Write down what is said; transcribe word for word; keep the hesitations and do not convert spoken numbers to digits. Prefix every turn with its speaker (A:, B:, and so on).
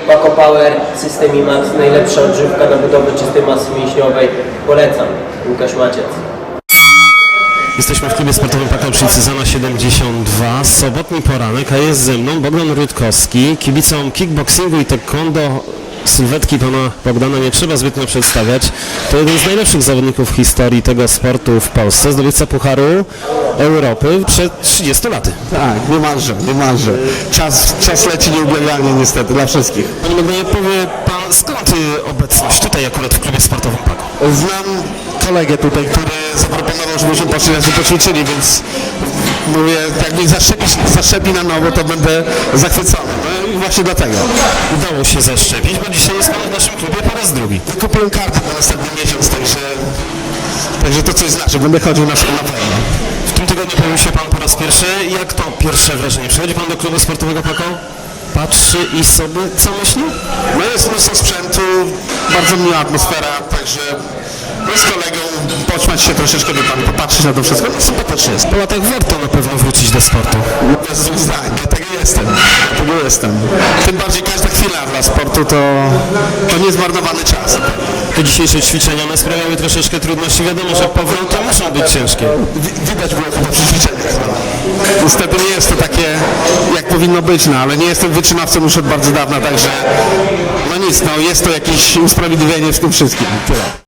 A: Paco Power, System IMAX, najlepsza odżywka na budowę czystej masy mięśniowej. Polecam. Łukasz Maciec.
B: Jesteśmy w klubie sportowym Paco przy Cyzona siedemdziesiąt dwa. Sobotni poranek, a jest ze mną Bogdan Rutkowski, kibicom kickboxingu i taekwondo. Sylwetki pana Bogdana nie trzeba zbytnio przedstawiać. To jeden z najlepszych zawodników w historii tego sportu w Polsce, zdobywca Pucharu Europy przed trzydziestu laty.
C: Tak, niemalże, niemalże. Czas, czas leci nieubłaganie niestety dla wszystkich.
B: Panie Bogdanie, powie pan, skąd y, obecność tutaj akurat w klubie sportowym Paco?
C: Znam kolegę tutaj, który zaproponował, żebyśmy poszli razem poćwiczyli, więc mówię, jak mnie zaszczepi, zaszczepi na nowo, to będę zachwycony. No i właśnie dlatego.
B: Udało się zaszczepić, bo dzisiaj jest pan w naszym klubie po raz drugi.
C: Kupiłem kartę na następny miesiąc, także, także to coś znaczy, będę chodził na szkołę na pewno.
B: W tym tygodniu pojawił się pan po raz pierwszy. Jak to pierwsze wrażenie? Przychodzi pan do klubu sportowego Paco? Patrzy i sobie co myśli?
C: No jest mnóstwo sprzętu, bardzo miła atmosfera, także no z kolegą poćmać się troszeczkę, by pan popatrzeć na to wszystko, no sympatycznie jest.
B: Po latach warto na pewno wrócić do sportu.
C: Bez złych zdań, dlatego jestem, dlatego jestem. Tym bardziej każda chwila dla sportu to, to niezmarnowany czas.
B: Te dzisiejsze ćwiczenia one sprawiały troszeczkę trudności. Wiadomo, że powroty muszą być ciężkie.
C: Wi- Widać było chyba przy ćwiczeniach. Niestety nie jest to takie, jak powinno być, no ale nie jestem wytrzymawcą już od bardzo dawna, także no nic, no jest to jakieś usprawiedliwienie w tym wszystkim. Tyle.